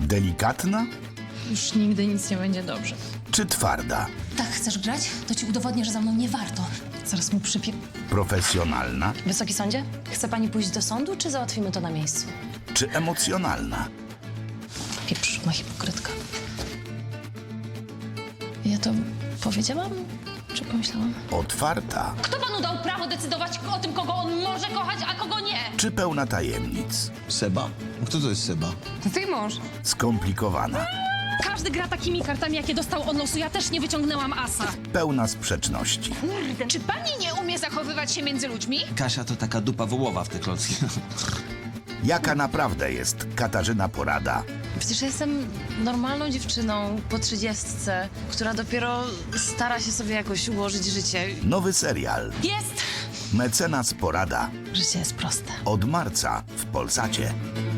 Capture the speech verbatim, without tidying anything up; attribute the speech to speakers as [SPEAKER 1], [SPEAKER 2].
[SPEAKER 1] Delikatna
[SPEAKER 2] Już nigdy nic nie będzie dobrze.
[SPEAKER 1] czy twarda?
[SPEAKER 3] Tak chcesz grać? To ci udowodnię, że za mną nie warto.
[SPEAKER 2] Zaraz mu przypie...
[SPEAKER 1] Profesjonalna
[SPEAKER 3] Wysoki sądzie, chce pani pójść do sądu, czy załatwimy to na miejscu?
[SPEAKER 1] czy emocjonalna?
[SPEAKER 3] Pieprz, ma hipokrytka. Ja to powiedziałam, czy pomyślałam?
[SPEAKER 1] Otwarta
[SPEAKER 3] Kto panu dał prawo decydować o tym, kogo on może kochać, a kogo nie?
[SPEAKER 1] czy pełna tajemnic?
[SPEAKER 4] Seba? Kto to jest Seba?
[SPEAKER 2] To twój mąż.
[SPEAKER 1] Skomplikowana,
[SPEAKER 2] Każdy gra takimi kartami, jakie dostał od losu. Ja też nie wyciągnęłam asa.
[SPEAKER 1] pełna sprzeczności.
[SPEAKER 2] Czy pani nie umie zachowywać się między ludźmi?
[SPEAKER 4] Kasia to taka dupa wołowa w te klocki.
[SPEAKER 1] Jaka naprawdę jest Katarzyna Porada?
[SPEAKER 3] Przecież ja jestem normalną dziewczyną po trzydziestce, która dopiero stara się sobie jakoś ułożyć życie.
[SPEAKER 1] Nowy serial
[SPEAKER 2] Jest!
[SPEAKER 1] Mecenas Porada
[SPEAKER 3] Życie jest proste.
[SPEAKER 1] od marca w Polsacie.